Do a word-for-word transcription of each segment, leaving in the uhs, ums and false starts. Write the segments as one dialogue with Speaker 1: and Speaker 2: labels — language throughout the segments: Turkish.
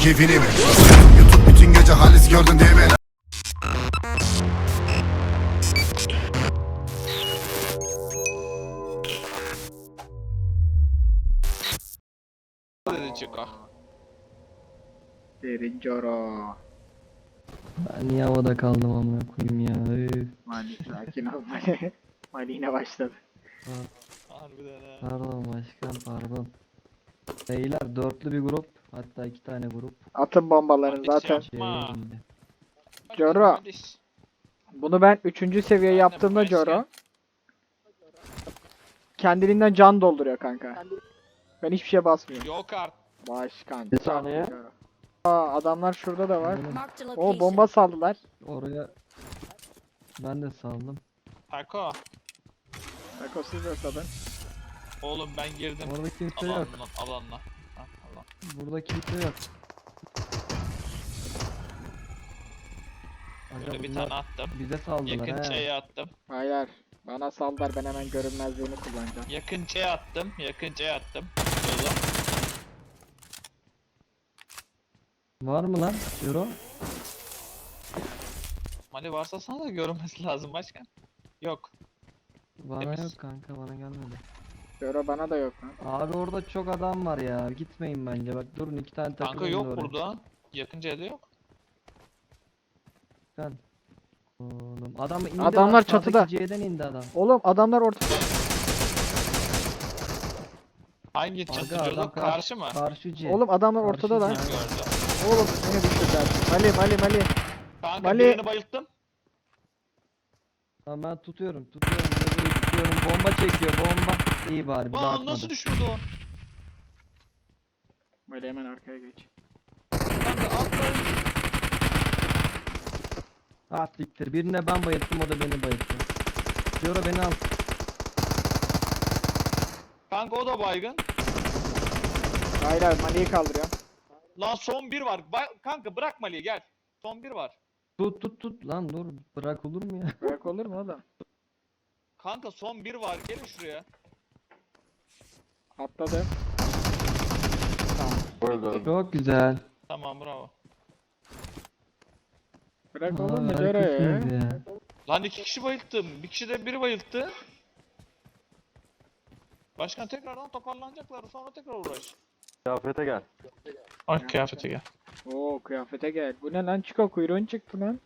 Speaker 1: keyfini mi? YouTube bütün gece halis gördün değil mi?
Speaker 2: Dedi Chico.
Speaker 3: Derin Coro.
Speaker 4: Ben niye havada kaldım amına koyayım ya. Üf.
Speaker 3: Mali sakin ol Mali. Mali yine başladı.
Speaker 2: Harbiden ha.
Speaker 4: Pardon başkan pardon. Beyler dörtlü bir grup. Hatta iki tane grup.
Speaker 3: Atın bombalarını
Speaker 2: Hadi
Speaker 3: zaten.
Speaker 2: sen- Ma.
Speaker 4: Şeye indi.
Speaker 3: Coro.
Speaker 2: Hadi.
Speaker 3: Bunu ben üçüncü seviye
Speaker 2: Ben de
Speaker 3: yaptığımda
Speaker 2: başka-
Speaker 3: Coro. Kendiliğinden can dolduruyor kanka. Ben hiçbir şey basmıyorum.
Speaker 2: Yok artık.
Speaker 3: Başkan.
Speaker 4: Bir saniye.
Speaker 3: Coro. Aa, adamlar şurada da var.
Speaker 5: Marked a
Speaker 3: O
Speaker 5: location.
Speaker 3: bomba saldılar.
Speaker 4: Oraya ben de saldım.
Speaker 2: Tako.
Speaker 3: Bak o siz ortadan.
Speaker 2: Oğlum ben girdim.
Speaker 4: Orada kimse yok.
Speaker 2: Alanla. Alanla. Ha, alan.
Speaker 4: Burada kimse yok. Aga
Speaker 2: Böyle bir
Speaker 4: bunlar
Speaker 2: tane attım.
Speaker 4: bize saldılar
Speaker 2: Yakın
Speaker 4: he.
Speaker 2: çaya attım.
Speaker 3: Hayır. Bana saldılar, ben hemen görünmezliğini kullanacağım.
Speaker 2: Yakın çaya attım. Yakın çaya attım. Şurada.
Speaker 4: Var mı lan? Euro?
Speaker 2: Mali varsa sana da görünmesi lazım başkan. Yok.
Speaker 4: Bana
Speaker 2: Temiz.
Speaker 4: yok kanka bana gelmedi.
Speaker 3: Coro bana da yok lan.
Speaker 4: Abi orada çok adam var ya. Gitmeyin bence bak durun iki tane takım.
Speaker 2: Kanka
Speaker 4: indi
Speaker 2: yok
Speaker 4: oraya.
Speaker 2: burada. Yakın çayda yok.
Speaker 4: Sen. Oğlum adam indi
Speaker 3: Adamlar
Speaker 4: lan,
Speaker 3: çatıda.
Speaker 4: sağdaki C'den indi adam.
Speaker 3: Oğlum adamlar ortada.
Speaker 2: Hangi
Speaker 4: Aga,
Speaker 2: çatı
Speaker 4: adam
Speaker 2: diyordu?
Speaker 4: kar-
Speaker 2: Karşı mı?
Speaker 4: Karşı C.
Speaker 3: Oğlum adamlar
Speaker 4: Karşı
Speaker 3: ortada lan.
Speaker 4: C.
Speaker 2: Gördüm.
Speaker 3: Oğlum beni düşürdüler. Mali Mali Mali.
Speaker 2: Kanka
Speaker 3: Mali-
Speaker 2: birini bayılttım.
Speaker 4: Tamam ben tutuyorum tutuyorum bebeği tutuyorum. Bomba çekiyor bomba. İyi bari bir daha
Speaker 2: Aa
Speaker 4: atmadı.
Speaker 2: nasıl düşmedi o?
Speaker 3: Mali hemen arkaya geç.
Speaker 2: Kanka atlayın.
Speaker 4: Ah diktir. Birine ben bayılttım o da beni bayılttı. Diyor beni al.
Speaker 2: Kanka o da baygın.
Speaker 3: Hayır hayır Mali'yi kaldırıyorum.
Speaker 2: Lan son bir var. Ba- kanka bırak Mali'yi gel. Son bir var.
Speaker 4: Tut tut tut lan dur bırak olur mu ya?
Speaker 3: Bırak olur mu oğlum?
Speaker 2: Kanka son bir var. Gelin şuraya.
Speaker 3: Atladı. Tamam.
Speaker 4: Çok güzel.
Speaker 2: Tamam bravo.
Speaker 3: Bırak
Speaker 4: Aa,
Speaker 3: olur mu Coro
Speaker 4: harikasınız
Speaker 3: ya?
Speaker 4: ya.
Speaker 2: Lan iki kişi bayılttım. Bir kişi de biri bayılttı. Başkan tekrardan toparlanacaklar. Sonra tekrar uğraş.
Speaker 6: Kıyafete gel.
Speaker 2: Ay kıyafete gel.
Speaker 3: Oo kıyafete gel. Bu ne lan, Chico kuyruğun çıktı lan.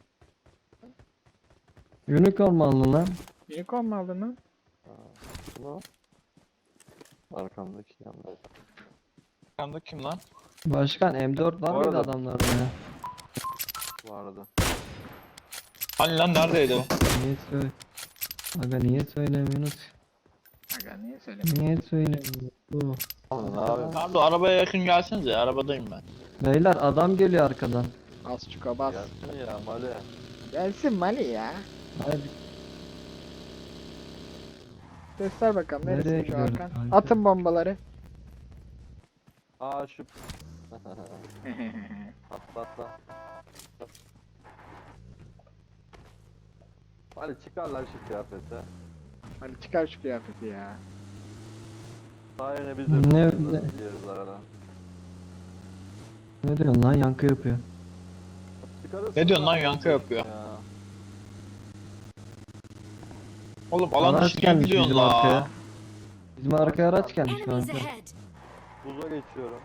Speaker 4: Unicorn mu aldın lan?
Speaker 3: Unicorn mu aldın lan?
Speaker 6: Bunu. Arkamdaki yanlar.
Speaker 2: Arkanda kim lan?
Speaker 4: Başkan M dört var
Speaker 6: Bu
Speaker 4: mıydı
Speaker 6: arada-
Speaker 4: adamlarda ya?
Speaker 6: Vardı.
Speaker 2: Hani lan neredeydi o?
Speaker 4: Niye söyle? Aga niye söylemiyorsunuz?
Speaker 3: Aga niye söylemiyorsun?
Speaker 4: Niye söylemiyorsunuz? Bu.
Speaker 6: Oğlum ne yapıyorsun?
Speaker 2: Pardon arabaya yakın gelsenize. Arabadayım ben.
Speaker 4: Beyler adam geliyor arkadan.
Speaker 3: Bas Chico bas.
Speaker 6: Gelsin ya Mali.
Speaker 3: Gelsin Mali ya.
Speaker 4: Hadi.
Speaker 3: Göster bakalım
Speaker 4: Nereye
Speaker 3: neresi şu
Speaker 4: gidiyoruz
Speaker 3: arkan.
Speaker 4: kanka?
Speaker 3: Atın bombaları.
Speaker 6: Aa şu. Atla atla. Mali çıkar lan şu kıyafete.
Speaker 3: Hadi çıkar şu kıyafeti ya.
Speaker 6: Daha yine biz
Speaker 4: Ne-
Speaker 6: de
Speaker 4: ne-
Speaker 6: diyoruz arada.
Speaker 4: Ne diyorsun lan yankı yapıyor.
Speaker 6: Çıkarırsın
Speaker 2: Ne diyorsun lan,
Speaker 6: ya.
Speaker 2: yankı yapıyor.
Speaker 6: Ya.
Speaker 2: Oğlum alan
Speaker 4: Araç
Speaker 2: dışı
Speaker 4: gelmiş
Speaker 2: gidiyorsun
Speaker 4: bizim arkaya.
Speaker 2: la.
Speaker 4: Bizim arkaya araç gelmiş
Speaker 5: Enemies
Speaker 4: kanka.
Speaker 5: ahead.
Speaker 6: Buza geçiyorum.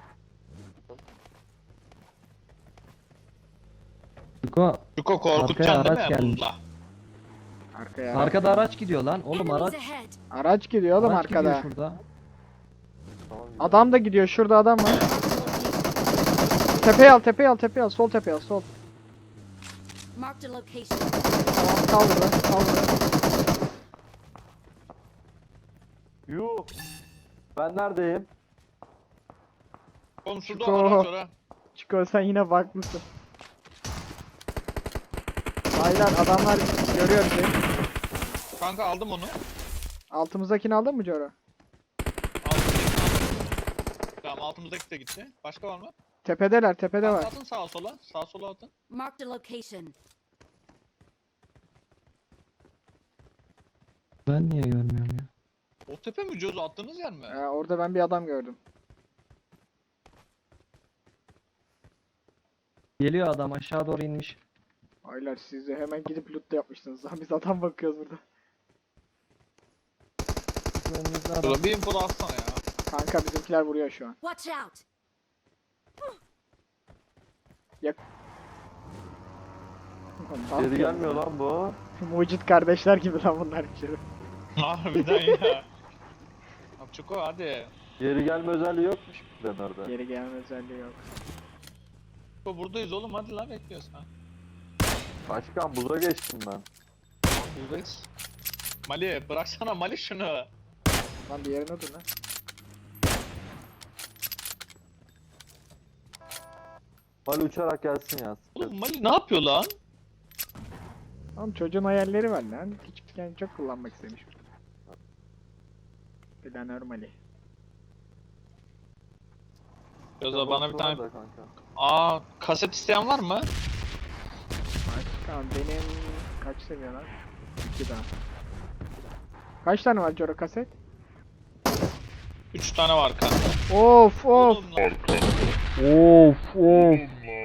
Speaker 4: Yuko,
Speaker 2: Yuko
Speaker 4: Arkaya
Speaker 2: korkutacaksın değil
Speaker 4: araç
Speaker 2: mi?
Speaker 4: gelmiş.
Speaker 2: Bunda.
Speaker 3: Arkaya.
Speaker 4: arkada araç gidiyor lan. Oğlum
Speaker 5: Enemies
Speaker 4: araç.
Speaker 5: ahead.
Speaker 3: Araç gidiyor oğlum
Speaker 4: Araç gidiyor
Speaker 3: arkada.
Speaker 4: şurada.
Speaker 6: Tamam. gidelim.
Speaker 3: Adam da gidiyor, şurada adam var. Tepeye al, tepeye al, tepeye al, sol tepeye al, sol.
Speaker 5: Marked a location.
Speaker 3: Tamam kaldır lan, kaldır lan.
Speaker 6: Yuh. Ben neredeyim?
Speaker 2: Oğlum şurada
Speaker 3: Yuko.
Speaker 2: araç var ha.
Speaker 3: Chico sen yine baklısın. Baylar adamlar görüyor bizi.
Speaker 2: Kanka aldım onu.
Speaker 3: Altımızdakini aldın mı Coro?
Speaker 2: Altımızdaki aldım. Tamam altımızdaki de gitti. Başka var mı?
Speaker 3: Tepedeler, tepede
Speaker 2: Kanka
Speaker 3: var.
Speaker 2: atın sağa sola. Sağa sola atın.
Speaker 5: Marked a location.
Speaker 4: Ben niye görmüyorum ya?
Speaker 2: O tepe mi Coz attığınız yer mi?
Speaker 3: Ee, orada ben bir adam gördüm.
Speaker 4: Geliyor adam aşağı doğru inmiş.
Speaker 3: Aylar siz de hemen gidip loot da yapmışsınız. Lan biz adam bakıyoruz burada.
Speaker 4: Önünüzde adam.
Speaker 2: Dur bir info da atsana ya.
Speaker 3: Kanka bizimkiler vuruyor şu an.
Speaker 5: Watch out!
Speaker 6: Geri gelmiyor lan bu.
Speaker 3: Mucit kardeşler gibi lan bunlar bir şey.
Speaker 2: Harbiden ya. Abi Çuko hadi.
Speaker 6: Geri gelme özelliği yokmuş ben orada.
Speaker 3: Geri gelme özelliği yok.
Speaker 2: Çuko buradayız oğlum hadi lan bekliyoruz ha.
Speaker 6: Başkan buza geçtim ben.
Speaker 2: Buradayız. Mali bıraksana Mali şunu.
Speaker 3: Lan bir yerine dur lan.
Speaker 6: Mali uçarak gelsin ya.
Speaker 2: Oğlum Mali ne yapıyor lan?
Speaker 3: Oğlum çocuğun hayalleri var lan. Küçükken çok kullanmak istemiş. Planör Mali.
Speaker 2: Yoza bana bir tane...
Speaker 6: Da kanka.
Speaker 2: Aa kaset isteyen var mı?
Speaker 3: Tamam benim kaç seviye lan? İki daha. Kaç tane var Joro kaset?
Speaker 2: Üç tane var kanka.
Speaker 3: Of of.
Speaker 2: Oğlum lan.
Speaker 7: Of of.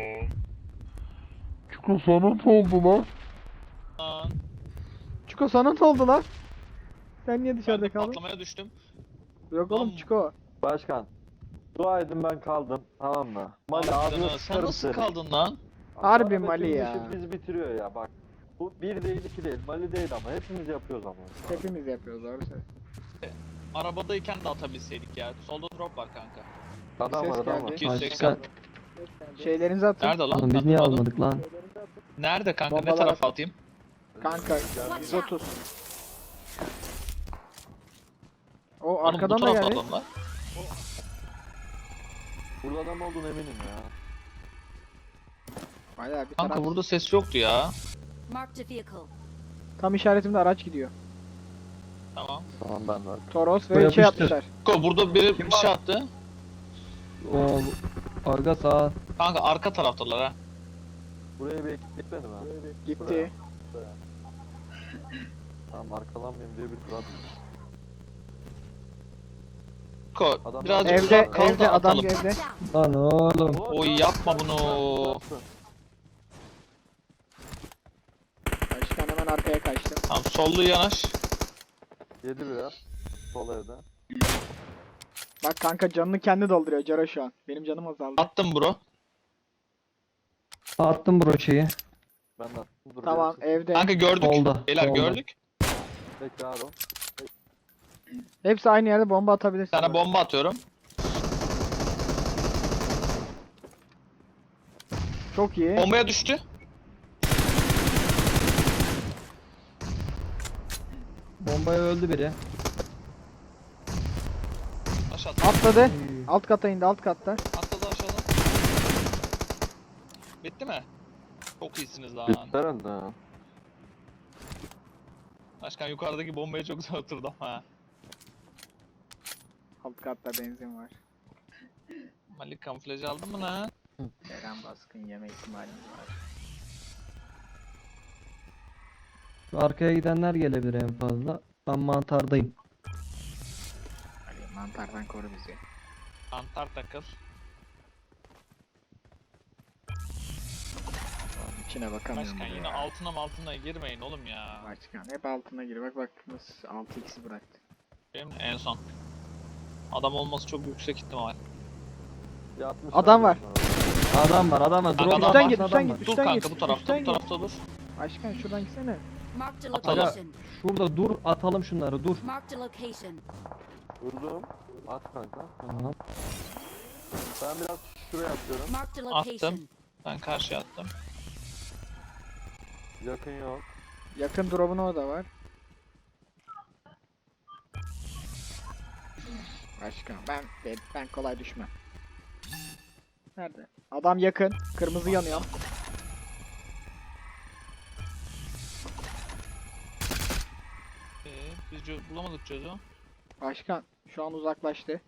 Speaker 7: Çiko sana ne oldu lan?
Speaker 2: Lan.
Speaker 3: Çiko sana ne oldu lan? Sen niye
Speaker 2: Ben
Speaker 3: dışarıda
Speaker 2: de
Speaker 3: kaldın?
Speaker 2: patlamaya düştüm.
Speaker 3: Yok oğlum
Speaker 2: Lan.
Speaker 3: Çiko.
Speaker 6: Başkan. Dua edin ben kaldım. Tamam mı? Mali
Speaker 2: Abi
Speaker 6: ağzına
Speaker 2: canım, sen
Speaker 6: sıçarım
Speaker 2: nasıl
Speaker 6: seni.
Speaker 2: kaldın lan?
Speaker 3: Harbi
Speaker 6: Arada
Speaker 3: Mali
Speaker 6: tüm
Speaker 3: ya.
Speaker 6: işi bizi bitiriyor ya bak. Bu bir değil iki değil. Mali değil ama hepimiz yapıyoruz ama.
Speaker 3: Hepimiz yapıyoruz doğru söylüyorsun.
Speaker 2: Arabadayken de atabilseydik ya. Solda drop var kanka.
Speaker 6: Adam
Speaker 3: Ses
Speaker 6: var adam
Speaker 3: geldi.
Speaker 6: var.
Speaker 2: iki yüz seksen.
Speaker 4: Başka.
Speaker 3: Şeylerinizi atın.
Speaker 2: Nerede lan?
Speaker 4: Oğlum biz niye
Speaker 2: Atmadım.
Speaker 4: almadık lan?
Speaker 2: Nerede kanka? Ne
Speaker 3: Bombalar
Speaker 2: tarafa
Speaker 3: at.
Speaker 2: atayım?
Speaker 3: Kanka yüz otuz. O
Speaker 2: Oğlum,
Speaker 3: arkadan
Speaker 2: bu
Speaker 3: da
Speaker 2: tarafa
Speaker 3: geldi.
Speaker 2: adamlar.
Speaker 6: Burada adam olduğunu eminim ya.
Speaker 3: Bayağı bir
Speaker 2: Kanka
Speaker 3: taraf.
Speaker 2: burada ses yoktu ya.
Speaker 5: Marked a vehicle.
Speaker 3: Tam işaretimde araç gidiyor.
Speaker 2: Tamam.
Speaker 6: Tamam ben var.
Speaker 3: Toros
Speaker 4: Bu
Speaker 3: ve şey
Speaker 4: yapıştır.
Speaker 3: yapmışlar.
Speaker 2: Ko burada biri bir şey attı.
Speaker 4: O arka sağ.
Speaker 2: Kanka arka taraftalar ha.
Speaker 6: Buraya bir ekip gitmedi mi?
Speaker 3: Gitti.
Speaker 6: Tamam arkalanmayayım diye bir tur attım.
Speaker 2: Ko
Speaker 6: Adam-
Speaker 2: birazcık
Speaker 3: Evde
Speaker 2: uzak kal
Speaker 3: evde
Speaker 2: da
Speaker 3: adam
Speaker 2: atalım.
Speaker 3: evde.
Speaker 5: Watch out!
Speaker 4: Lan oğlum.
Speaker 2: Oy yapma bunu.
Speaker 3: Başkan hemen arkaya kaçtı.
Speaker 2: Tamam sollu yanaş.
Speaker 6: Yedi biraz. Sol evde.
Speaker 3: Bak kanka canını kendi dolduruyor Joro şu an. Benim canım azaldı.
Speaker 2: Attım bro.
Speaker 4: Attım broşeyi.
Speaker 6: Ben de attım. Dur,
Speaker 3: Tamam
Speaker 6: bir
Speaker 3: evde.
Speaker 2: Kanka gördük.
Speaker 4: Solda,
Speaker 2: Beyler
Speaker 4: solda.
Speaker 2: gördük.
Speaker 6: Bekle abi.
Speaker 3: Hepsi aynı yerde bomba
Speaker 2: Bir
Speaker 3: atabilirsin.
Speaker 2: tane bomba atıyorum.
Speaker 3: Çok iyi.
Speaker 2: Bombaya düştü.
Speaker 4: Bombaya öldü biri.
Speaker 2: Aşağıda.
Speaker 3: Atladı. Alt kata indi alt katta.
Speaker 2: Atladı aşağıda. Bitti mi? Çok iyisiniz lan.
Speaker 6: Bitti herhalde ha.
Speaker 2: Başkan yukarıdaki bombaya çok güzel oturdum ha.
Speaker 3: Alt katta benzin var.
Speaker 2: Malik kamuflajı aldın mı lan?
Speaker 3: Eren baskın yeme ihtimalimiz var.
Speaker 4: Şu arkaya gidenler gelebilir en fazla. Ben mantardayım.
Speaker 3: Ali mantardan koru bizi.
Speaker 2: Antar takıl.
Speaker 3: Oğlum içine bakamıyorum.
Speaker 2: Başkan
Speaker 3: bile
Speaker 2: yine
Speaker 3: ya.
Speaker 2: altına altına girmeyin oğlum ya.
Speaker 3: Başkan hep altına gir. Bak bak nasıl altı x'i bıraktı.
Speaker 2: Benim en son. Adam olması çok yüksek ihtimal.
Speaker 6: Yatmışlar
Speaker 3: Adam var.
Speaker 6: bunlar.
Speaker 4: Adam var adam var.
Speaker 2: Kanka,
Speaker 4: Drone
Speaker 2: adam
Speaker 3: Üstten
Speaker 2: var.
Speaker 3: git
Speaker 4: altında
Speaker 3: üstten
Speaker 4: adam
Speaker 3: git
Speaker 4: var.
Speaker 2: Dur
Speaker 3: üstten
Speaker 2: kanka
Speaker 3: git.
Speaker 2: bu tarafta
Speaker 3: üstten
Speaker 2: bu
Speaker 3: git.
Speaker 2: tarafta dur.
Speaker 3: Başkan şuradan gitsene.
Speaker 5: Marked a
Speaker 2: Atalım.
Speaker 5: location.
Speaker 4: Şurada dur atalım şunları dur.
Speaker 5: Marked a location.
Speaker 6: Vurdum. At kanka.
Speaker 4: Tamam.
Speaker 6: Ben biraz şuraya atıyorum.
Speaker 5: Marked a
Speaker 2: Attım.
Speaker 5: location.
Speaker 2: Ben karşıya attım.
Speaker 6: Yakın yok.
Speaker 3: Yakın drop'un o da var. Başkan ben ben, ben kolay düşmem. Nerede? Adam yakın. Kırmızı yanıyor.
Speaker 2: Ee, biz çö- bulamadık çözü.
Speaker 3: Başkan şu an uzaklaştı.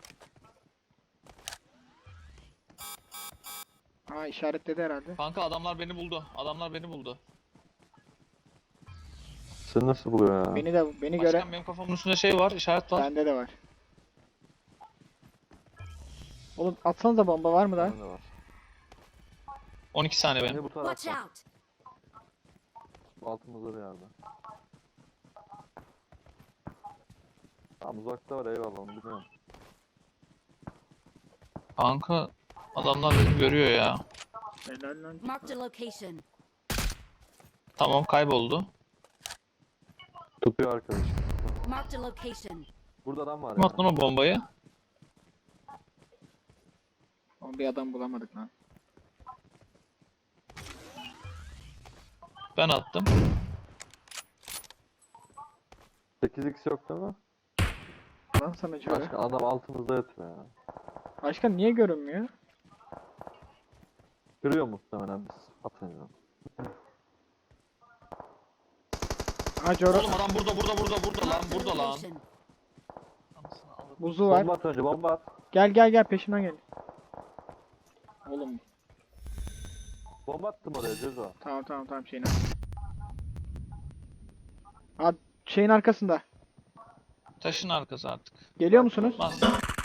Speaker 3: Aa işaretledi herhalde.
Speaker 2: Kanka adamlar beni buldu. Adamlar beni buldu.
Speaker 6: Seni nasıl buluyor ya?
Speaker 3: Beni de beni göre
Speaker 2: Başkan benim kafamın üstünde şey var, işaret var.
Speaker 3: bende de var. Oğlum atsanıza bomba var mı da?
Speaker 6: Bende var.
Speaker 2: on iki saniye
Speaker 6: Bence
Speaker 2: benim.
Speaker 6: bu
Speaker 5: Watch
Speaker 6: tarafta.
Speaker 5: out!
Speaker 6: Altımızda bir yerde. Tamam uzakta var eyvallah onu biliyorum.
Speaker 2: Kanka adamlar beni görüyor ya.
Speaker 3: Helal lan.
Speaker 5: Marked a location.
Speaker 2: Tamam kayboldu.
Speaker 6: Tutuyor arkadaş.
Speaker 5: Marked a location.
Speaker 6: Burada adam var
Speaker 2: Kim
Speaker 6: ya.
Speaker 2: attı lan o bombayı?
Speaker 3: Ama bir adam bulamadık lan.
Speaker 2: Ben attım.
Speaker 6: sekiz x yok değil mi?
Speaker 3: Lan sana şöyle.
Speaker 6: Başka adam altımızda yatıyor ya.
Speaker 3: Başka niye görünmüyor?
Speaker 6: Kırıyor muhtemelen biz atınca.
Speaker 3: Ha Joro
Speaker 2: Oğlum adam burada burada burada burada lan
Speaker 5: Marked a
Speaker 2: burada lan.
Speaker 5: location.
Speaker 3: buzu var.
Speaker 6: Bomba at önce bomba at.
Speaker 3: Gel gel gel peşimden gel. Oğlum
Speaker 6: Bomba attım oraya Cezo.
Speaker 3: tamam tamam tamam şeyin arkasında. Ha şeyin arkasında.
Speaker 2: Taşın arkası artık.
Speaker 3: Geliyor musunuz?
Speaker 2: Bas.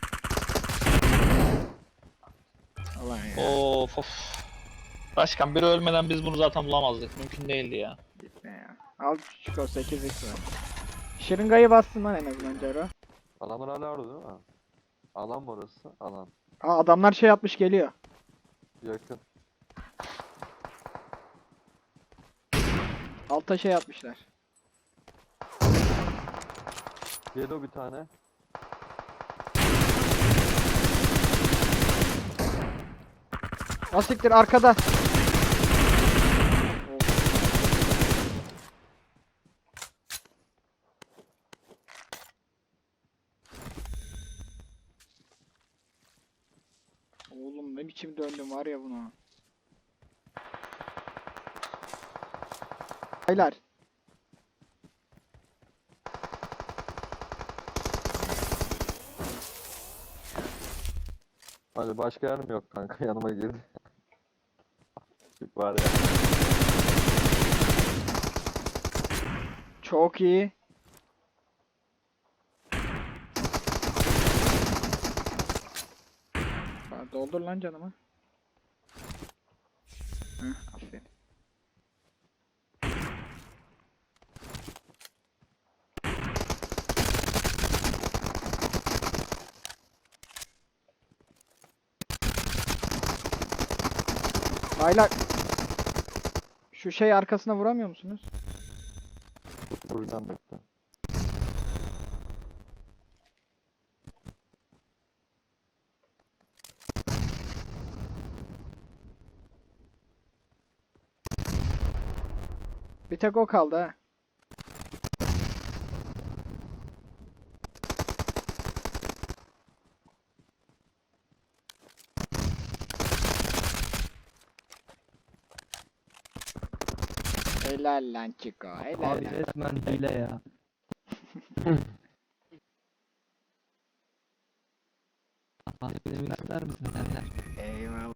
Speaker 3: Ulan ya.
Speaker 2: Of of. Başkan biri ölmeden biz bunu zaten bulamazdık. Mümkün değildi ya.
Speaker 3: Gitme ya. Al küçük o sekiz x var. Şırıngayı bastın lan en azından Joro.
Speaker 6: Adamlar hala orada değil mi? Alan mı orası? Alan.
Speaker 3: Aa adamlar şey yapmış geliyor.
Speaker 6: Yakın.
Speaker 3: Alta şey yapmışlar.
Speaker 6: Yedi bir tane.
Speaker 3: Asiktir arkada. Oğlum ne biçim döndüm var ya buna. Haylar.
Speaker 6: Hadi başka yer mi yok kanka yanıma girdi. Var ya.
Speaker 3: Çok iyi. Ha, doldur lan canımı. Heh, aferin. Baylar. Şu şey arkasına vuramıyor musunuz?
Speaker 6: Vuracağım bekle.
Speaker 3: Bir tek o kaldı ha. Helal lan Chico, helal
Speaker 4: Abi
Speaker 3: lan.
Speaker 4: resmen hile ya. Abi benim ister misin senden?
Speaker 3: Eyvallah.